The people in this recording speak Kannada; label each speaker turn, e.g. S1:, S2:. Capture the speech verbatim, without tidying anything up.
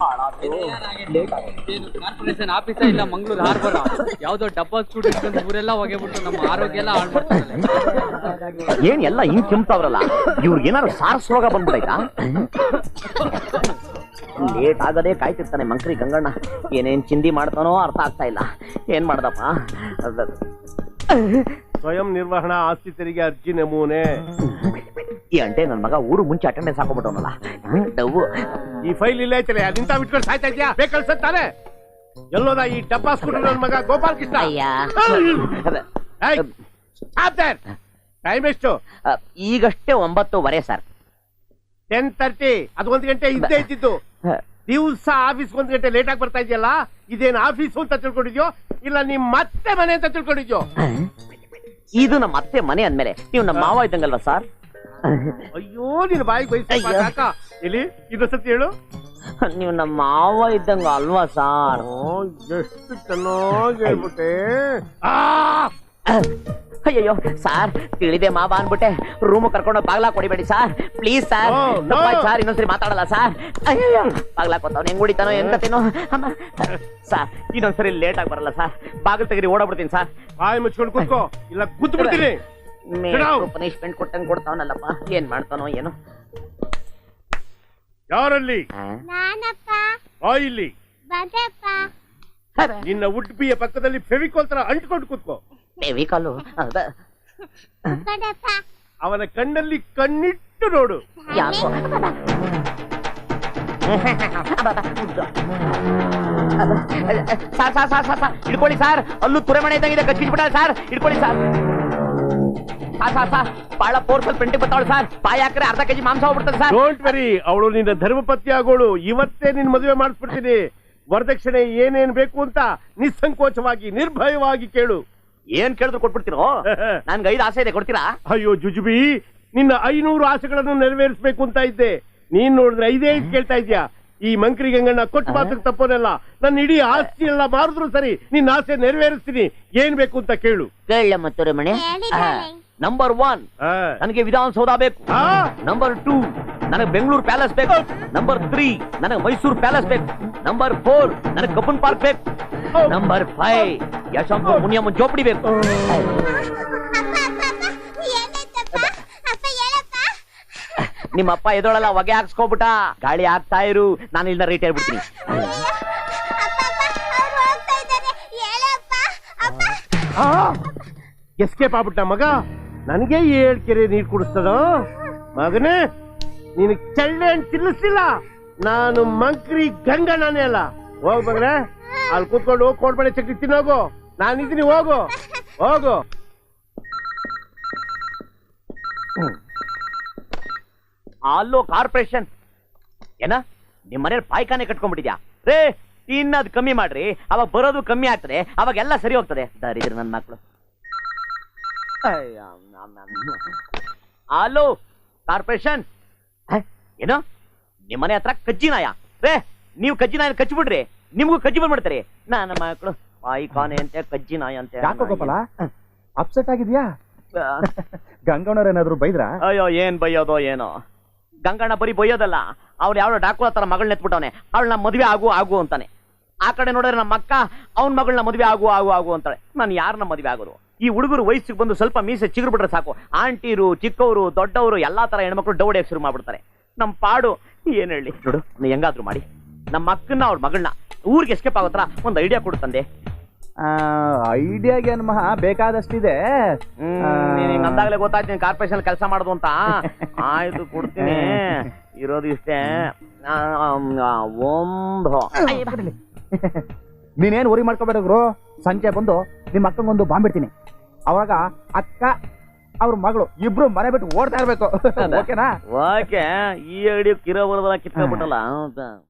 S1: ಕಾರ್ಪೊರೇಷನ್ ಆಫೀಸ ಇಲ್ಲ ಮಂಗಳೂರು ಹಾರ್ಬರ್ ಯಾವ್ದೋ ಡಬ್ಬ ಸ್ಕೂಟಿ ಇಟ್ಕೊಂಡು ಊರೆಲ್ಲ ಹೋಗ್ಬಿಟ್ಟು ನಮ್ಮ ಆರೋಗ್ಯ ಎಲ್ಲ ಹಾಳು ಮಾಡ್ತಾರೆ.
S2: ಏನ್ ಎಲ್ಲ ಹಿಂಗ್ ಕೆಮ್ತಾವ್ರಲ್ಲ, ಇವ್ರಿಗೆ ಏನಾದ್ರು ಸಾರ್ಸ್ ರೋಗ ಬಂದ್ಬಿಡೈತಾ? ಲೇಟ್ ಆಗದೆ ಕಾಯ್ತಿರ್ತಾನೆ ಮಂಕ್ರಿ ಗಂಗಣ್ಣ. ಏನೇನ್ ಚಿಂದಿ ಮಾಡ್ತಾನೋ ಅರ್ಥ ಆಗ್ತಾ ಇಲ್ಲ. ಏನ್ ಮಾಡ್ದಪ್ಪ?
S3: ಸ್ವಯಂ ನಿರ್ವಹಣಾ ಆಸ್ತಿ ತೆರಿಗೆ ಅರ್ಜಿ ನಮೂನೆ.
S2: ಈ ಅಂಟೆ ನನ್ ಮಗ ಊರು ಮುಂಚೆ ಅಟೆಂಡೆನ್ಸ್ ಹಾಕೊಂಡ್ಬಿಟ್ಟವನಲ್ಲ. ಡವ್ವು
S3: ಈ ಫೈಲ್ ಇಲ್ಲ ಐತಲೆ, ಅದಿಂತ ಬಿಟ್ಕೊಂಡು ಸಾಯ್ತಾ ಇದ್ಯಾ? ಬೇಕಲ್ಸತ್ತಾನೆ ಎಲ್ಲೋದ ಈ ಡಬ್ಬಾ ಸ್ಕೂಟರ್ ನನ್ ಮಗ ಗೋಪಾಲ್ ಕೃಷ್ಣ. ಟೈಮ್ ಎಷ್ಟು?
S2: ಈಗಷ್ಟೇ ಒಂಬತ್ತುವರೆ ಸರ್.
S3: Ten thirty. ಅದು ಒಂದ್ ಗಂಟೆ ಇದ್ದೇ ಇದ್ದಿದ್ದು. ದಿವ್ಸ ಆಫೀಸ್ ಒಂದ್ ಗಂಟೆ ಲೇಟ್ ಆಗಿ ಬರ್ತಾ ಇದೆಯಲ್ಲ, ಇದೇನ್ ಆಫೀಸು ಅಂತ ತಿಳ್ಕೊಂಡಿದ್ಯೋ ಇಲ್ಲ ನಿಮ್ ಮತ್ತೆ ಮನೆ ಅಂತ ತಿಳ್ಕೊಂಡಿದ್ಯೋ?
S2: ಇದು ನಮ್ಮ ಅತ್ತೆ ಮನೆ ಅಂದ್ಮೇಲೆ ನೀವು ನಮ್ಮ ಮಾವ ಇದ್ದಂಗಲ್ವಾ ಸರ್?
S3: ಅಯ್ಯೋ ನಿನ್ ಬಾಯಿಗೆ ಬಯಸಾಕ. ಇಲ್ಲಿ ಇನ್ನೊಂದ್ಸತಿ ಹೇಳು.
S2: ನೀವು ನಮ್ಮ ಮಾವ ಇದ್ದಂಗ ಅಲ್ವಾ ಸಾರ್?
S3: ಎಷ್ಟು ಚೆನ್ನಾಗಿ ಹೇಳ್ಬಿಟ್ಟೆ.
S2: ಅಯ್ಯಯ್ಯೋ ಸಾರ್, ತಿಳಿದೆ ಮಾವ ಅನ್ಬಿಟ್ಟೆ. ರೂಮ್ ಕರ್ಕೊಂಡು ಬಾಗ್ಲಾ ಕೊಡಿಬೇಡಿ ಸಾರ್, ಪ್ಲೀಸ್ ಸಾರ್. ಸಾರ್ ಇನ್ನೊಂದ್ಸರಿ ಮಾತಾಡಲ್ಲ ಸಾರ್. ಅಯ್ಯಯ್ಯೋ ಬಾಗ್ಲಾ ಕೊತ್ತವನು ಹೆಂಗ್ ಹೊಡಿತಾನೋ ಎಂತೇನೋ. ಸಾರ್ ಇನ್ನೊಂದ್ಸರಿ ಲೇಟ್ ಆಗಿ ಬರಲ್ಲ ಸಾರ್. ಬಾಗಿಲು ತೆಗೀರಿ ಓಡಾಡ್ಬಿಡ್ತೀನಿ ಸಾರ್.
S3: ಬಾಯಿ ಮುಚ್ಕೊಂಡು ಕೂತ್ಕೋ ಇಲ್ಲ ಗುದ್ದು ಬಿಡ್ತೀನಿ.
S2: ಪನಿಷ್ಮೆಂಟ್ ಕೊಟ್ಟಂಗ್ ಕೊಡ್ತಾವನಲ್ಲಪ್ಪ, ಏನ್ ಮಾಡ್ತಾನೋ ಏನೋ.
S3: ಯಾರಲ್ಲಿ? ಇಲ್ಲಿ ನಿನ್ನ ಉಡ್ಪಿಯ ಪಕ್ಕದಲ್ಲಿ ಫೆವಿಕಾಲ್ ತರ ಅಂಟ್ಕೊಂಡು ಕೂತ್ಕೋ.
S2: ಫೆವಿಕಾಲು?
S3: ಅವನ ಕಣ್ಣಲ್ಲಿ ಕಣ್ಣಿಟ್ಟು ನೋಡು.
S2: ಯಾಕೋ sir sir sir sir sir ಹಿಡ್ಕೊಳ್ಳಿ ಸಾರ್. ಅಲ್ಲೂ ತುರೆಮಣೆ ಇದ್ದಂಗಿದೆ, ಕಚ್ಚಿಬಿಟ್ಟ ಸಾರ್. ಹಿಡ್ಕೊಳ್ಳಿ ಸಾರ್. ಸಾರ್ ಸಾರ್ ಸಾರ್ ಬಹಳ ಫೋರ್ಸಲ್ ಪ್ರಿಂಟಿಂಗ್ ಬರ್ತಾವಳು ಸಾರ್. ಪಾಯ ಹಾಕ್ರೆ ಅರ್ಧ ಕೆಜಿ ಮಾಂಸ ಹೋಗ್ಬಿಡ್ತದೆ ಸರ್.
S3: ಡೋಂಟ್ ವೆರಿ, ಅವಳು ನಿನ್ನ ಧರ್ಮಪತ್ನಿ ಆಗೋಳು. ಇವತ್ತೇ ನಿನ್ ಮದುವೆ ಮಾಡಿಸ್ಬಿಡ್ತೀನಿ. ವರದಕ್ಷಿಣೆ ಏನೇನ್ ಬೇಕು ಅಂತ ನಿಸ್ಸಂಕೋಚವಾಗಿ ನಿರ್ಭಯವಾಗಿ ಕೇಳು.
S2: ಏನ್ ಕೇಳಿದ್ರು ಕೊಟ್ಬಿಡ್ತೀರೋ? ನನ್ಗೆ ಐದು ಆಸೆ ಇದೆ, ಕೊಡ್ತೀರಾ?
S3: ಅಯ್ಯೋ ಜುಜುಬಿ, ನಿನ್ನ ಐನೂರು ಆಸೆಗಳನ್ನು ನೆರವೇರಿಸಬೇಕು ಅಂತ ಇದ್ದೆ. ನೀನ್ ನೋಡಿದ್ರೆ ಐದೇ ಐದು ಕೇಳ್ತಾ ಇದ್ಯಾ. ಈ ಮಂಕ್ರಿ ಗಂಗಣ್ಣ ಕೊಟ್ಟು ಮಾತಕ್ಕೆ ತಪ್ಪೋನಲ್ಲ. ನನ್ನ ಇಡೀ ಆಸ್ತಿ ಎಲ್ಲ ಮಾರಿದ್ರು ಸರಿ, ನಿನ್ನ ಆಸೆ ನೆರವೇರಿಸ್ತೀನಿ. ಏನ್ ಬೇಕು ಅಂತ ಕೇಳು.
S2: ಕೇಳ ಮತ್ತೆ ಮನೆ. ನಂಬರ್ ಒನ್, ನನಗೆ ವಿಧಾನಸೌಧ ಬೇಕು. ನಂಬರ್ ಟೂ, ನನಗೆ ಬೆಂಗಳೂರು ಪ್ಯಾಲೇಸ್ ಬೇಕು. ನಂಬರ್ ತ್ರೀ, ನನಗೆ ಮೈಸೂರು ಪ್ಯಾಲೇಸ್ ಬೇಕು. ನಂಬರ್ ಫೋರ್, ನನಗೆ ಕಬ್ಬನ್ ಪಾರ್ಕ್ ಬೇಕು. ನಂಬರ್ ಫೈವ್, ಯಶವಂತ ಮುನಿಯಮ್ಮ ಜೋಪಡಿ ಬೇಕು. ನಿಮ್ಮಪ್ಪ ಎದೊಳಲ್ಲ, ಹೊಗೆ ಹಾಕ್ಸ್ಕೊಬಿಟ್ಟ. ಗಾಳಿ ಹಾಕ್ತಾ ಇರು, ನಾನು ಇಲ್ಲ ರೇಟ್ ಹೇಳ್ಬಿಡ್ತೀನಿ.
S3: ಎಸ್ಕೇಪ್ ಆಗ್ಬಿಟ್ಟ ಮಗ. ನನಗೆ ಏಳ್ ಕೆರೆ ನೀರು ಕುಡಿಸ್ತದ ಮಗನೇ. ನೀನು ಚಳ್ಳೆ ಅಂತ ತಿನ್ನಿಸ್ಲಿಲ್ಲ. ನಾನು ಮಂಕ್ರಿ ಗಂಗಣ್ಣನೇ ಅಲ್ಲ. ಹೋಗ್ ಮಗನೇ, ಅಲ್ಲಿ ಕೂತ್ಕೊಂಡು ಕೋಡ್ಬಳೆ ಚಕ್ರಿ ತಿನ್ನೋಗು. ನಾನಿದ್ದೀನಿ, ಹೋಗು ಹೋಗು.
S2: ಅಲ್ಲೋ ಕಾರ್ಪೊರೇಷನ್ ಏನ ನಿಮ್ ಮನೇಲಿ ಪಾಯ್ಕಾನೆ ಕಟ್ಕೊಂಡ್ಬಿಟ್ಟಿದ್ಯಾ? ರೇ ತಿನ್ನೋದು ಕಮ್ಮಿ ಮಾಡ್ರಿ, ಅವಾಗ ಬರೋದು ಕಮ್ಮಿ ಆಗ್ತದೆ, ಅವಾಗ ಎಲ್ಲ ಸರಿ ಹೋಗ್ತದೆ. ದರಿದ್ರ ನನ್ ಮಕ್ಳು. ಹಲೋ ಕಾರ್ಪೊರೇಷನ್, ಏನು ನಿಮ್ ಮನೆ ಹತ್ರ ಕಜ್ಜಿ ನಾಯ? ರೇ ನೀವು ಕಜ್ಜಿ ನಾಯ ಕಚ್ಚಿಬಿಡ್ರಿ, ನಿಮ್ಗೂ ಕಜ್ಜಿ ಬಂದ್ಬಿಡ್ತಾರೆ. ನನ್ನ ಮಕ್ಕಳು ಪಾಯ್ಕಾನೆ ಅಂತೆ, ಕಜ್ಜಿ ನಾಯ ಅಂತೆ.
S4: ಯಾಕೋ ಗೋಪಾಲ ಅಪ್ಸೆಟ್ ಆಗಿದ್ಯಾ? ಗಂಗಣ್ಣವ್ರ ಏನಾದ್ರು ಬೈದ್ರಾ?
S2: ಅಯ್ಯೋ ಏನ್ ಬೈಯೋದೋ ಏನೋ. ಗಂಗಣ್ಣ ಬರೀ ಬೈಯೋದಲ್ಲ, ಅವ್ರು ಯಾವ್ದೋ ಡಾಕು ತರ ಮಗಳನ್ನ ಎತ್ಬಿಟ್ಟವನೆ. ಅವಳನ್ನ ಮದ್ವೆ ಆಗು ಆಗು ಅಂತಾನೆ. ಆ ಕಡೆ ನೋಡಿದ್ರೆ ನಮ್ಮ ಅಕ್ಕ ಅವ್ನ ಮಗಳನ್ನ ಮದ್ವೆ ಆಗು ಆಗು ಆಗು ಅಂತಾಳೆ. ನಾನು ಯಾರನ್ನ ಮದ್ವೆ ಆಗೋದು? ಈ ಹುಡುಗರು ವಯಸ್ಸಿಗೆ ಬಂದು ಸ್ವಲ್ಪ ಮೀಸೆ ಚಿಗುರು ಬಿಟ್ರೆ ಸಾಕು, ಆಂಟಿರು ಚಿಕ್ಕವರು ದೊಡ್ಡವರು ಎಲ್ಲಾ ತರ ಹೆಣ್ಮಕ್ಳು ಡೌಡಿಯಾಗಿ ಶುರು ಮಾಡ್ಬಿಡ್ತಾರೆ. ನಮ್ ಪಾಡು ಏನ್ ಹೇಳಿ ನೋಡು. ನೀ ಹೆಂಗಾದ್ರು ಮಾಡಿ ನಮ್ಮ ಅಕ್ಕನ್ನ ಅವ್ರ ಮಗಳನ್ನ ಊರಿಗೆ ಎಸ್ಕೇಪ್ ಆಗೋತ್ರ ಒಂದ್ ಐಡಿಯಾ ಕೊಡು ತಂದೆ.
S4: ಐಡಿಯಾಗೆ ಅನ್ಮಹ ಬೇಕಾದಷ್ಟಿದೆ.
S2: ಹ್ಮ್ ಅಂದಾಗಲೇ ಗೊತ್ತಾಯ್ತು ನೀನ್ ಕಾರ್ಪೊರೇಷನ್ ಕೆಲಸ ಮಾಡೋದು ಅಂತ. ಆಯ್ತು ಕೊಡ್ತೀನಿ, ಇರೋದು ಇಷ್ಟೇ.
S4: ನೀನೇನ್ ಉರಿ ಮಾಡ್ಕೋಬೇಡ್ರು. ಸಂಜೆ ಬಂದು ನಿಮ್ಮ ಅಕ್ಕಂಗೊಂದು ಬಾಂಬಿಡ್ತೀನಿ. ಅವಾಗ ಅಕ್ಕ ಅವ್ರ ಮಗಳು ಇಬ್ರು ಮನೆ ಬಿಟ್ಟು ಓಡ್ತಾ ಇರ್ಬೇಕು. ಓಕೆನಾ?
S2: ಓಕೆ. ಈ ಐಡಿಯಾ ಕಿರೋ ಬರೋದಲ್ಲ ಕಿತ್ಕೊಂಡ್ಬಿಟ್ಟಲ್ಲ.